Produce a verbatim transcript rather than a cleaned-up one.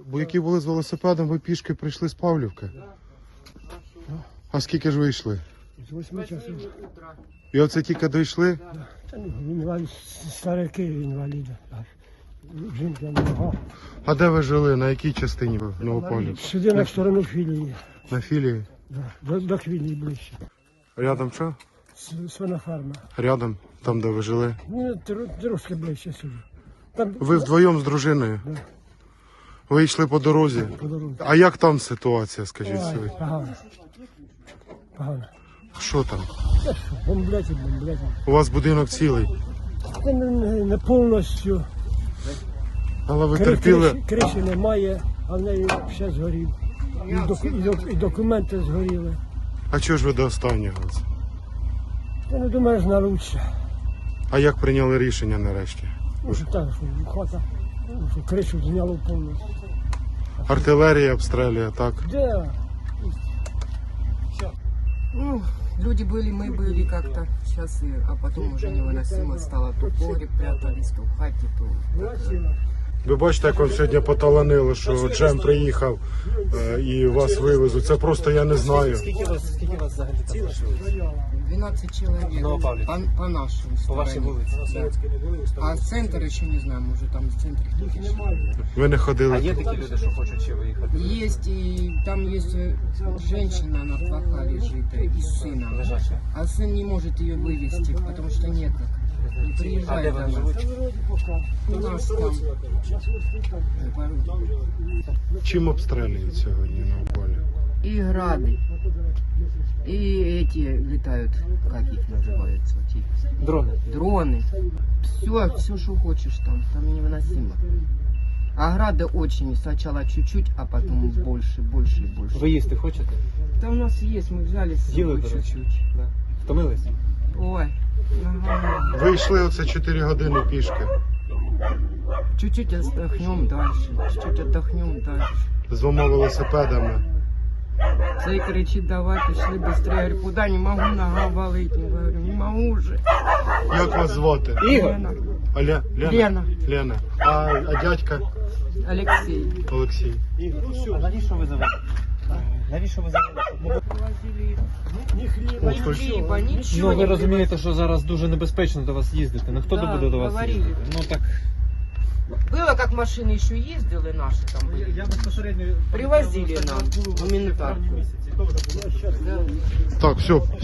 Бо які були з велосипедом, ви пішки прийшли з Павлівки? А скільки ж ви йшли? З восьми часов. І оце тільки дійшли? Та ну, інвалід, старики інваліди. Жінка нога. А де ви жили? На якій частині ви в Новопавлівці? Сюди на сторону філії. На філії? Да, до, до філії ближче. Рядом що? С- Свиноферма. Рядом, там де ви жили. Ну, тр- трошки ближче сюди. Там Ви вдвоєм з дружиною? Да. Ви йшли по дорозі? по дорозі. А як там ситуація, скажіть Ой, собі? погано. Погано. Що там? Та що, бомблять і бомблять. У вас будинок цілий, Та не, не, не повністю. але ви Кри- терпіли. Криші, криші немає, а в неї ще згорів. І, доку, і, док- і документи згоріли. А чого ж ви до останнього? Я не думаю, на лучше. А як прийняли рішення нарешті? Ну, що так, що хата, ну, що кришу зняло повністю. Артилерія обстрілює, так? Де? Ну, люди были, мы были как-то. Сейчас, и, а потом уже невыносимо стало. То в погреб прятались, то в хате, то... Ви бачите, як вам сьогодні поталанило, що Джем приїхав е, і вас вивезуть. Це просто я не знаю. Скільки вас, скільки вас взагалі там лишилось? двенадцать человек. Новопавлівці. По, по нашим По вашій вулиці? Да. А центр еще не знаю, может там в центре кто-то еще. Ви не А ходили є туди? такі люди, що хочуть ще виїхати? Есть, и там есть э, женщина, она плоха лежит, э, и с сыном. Лежачі. А сын не может ее вывести, потому что нет. Не А де приезжает вони она. живуть? У нас там. Чим обстрілюють сьогодні на полі? И грады. И эти летают, как их называются, эти Дрони. дроны. Все, все, что хочешь там, там невыносимо. А грады очень, сначала чуть-чуть, а потом больше, больше и больше. Ви їсти хочете? Там у нас есть, мы взяли с Їли, собой до речі? чуть-чуть. Да. Втомились? Ой, ага. Ви йшли оце чотири години пішки. Чуть-чуть отдохнем дальше, чуть-чуть отдохнем дальше. З двома велосипедами. Цей кричит, давай, пошли быстрее. Я говорю, куда, не могу, нога болит. Я говорю, не могу уже. Як вас звати? Ігор. Лена. Оля? Лена? Лена. Лена. А, а дядька? Алексей. Олексій. Ігор, а навіщо ви завели? Навіщо ви завели? Привозили Ні хліба, ни Ось хлеба, ничего Ну, ви не розумієте, що зараз дуже небезпечно до вас їздити. Ну, хто Да, буде до вас говорили. їздити? Ну, так, Было, как машины еще ездили наши там были. я безпосередньо... Привозили нам гуманитарку. місяці, то вже було. Да. Так, все.